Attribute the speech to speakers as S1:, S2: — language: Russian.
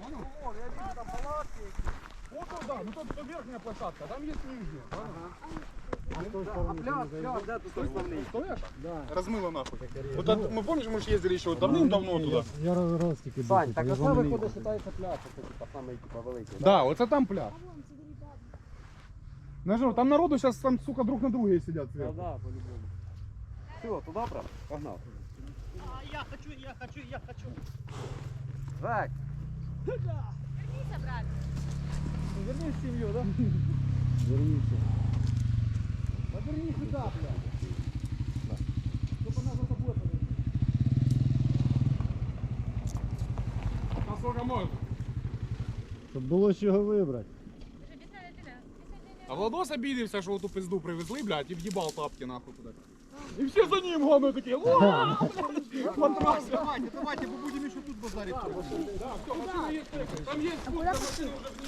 S1: Вон, я вижу там палатки. Вот туда, ну тут верхняя площадка, там есть нижняя. Размыло нахуй. Вот мы помнишь, мы же ездили еще давным-давно туда.
S2: Я раз тільки
S3: Сань, так оце виходить, вважається пляж, це типа самий типа великий.
S1: Да, вот это там пляж. Нажал, там народу сейчас там, сука, друг на друге сидят.
S3: Да, да, по-любому. Все, туда, брат, погнал.
S4: Я хочу.
S3: Жак,
S4: Вернись обратно.
S1: Верни в семью, да?
S2: Верніться.
S1: Поверни сюда, блядь. Чтобы она за тобой повернула. Насколько можно?
S2: Щоб було з чого вибрати.
S1: А Владос обидевся, що оту пизду привезли, блядь, і в'їбав тапки нахуй туди. І всі за ним, главное, такі, ура, блядь, матрас.
S5: Давайте, бо будемо ще тут базарити.
S1: Да, все, машина є, там є, машина вже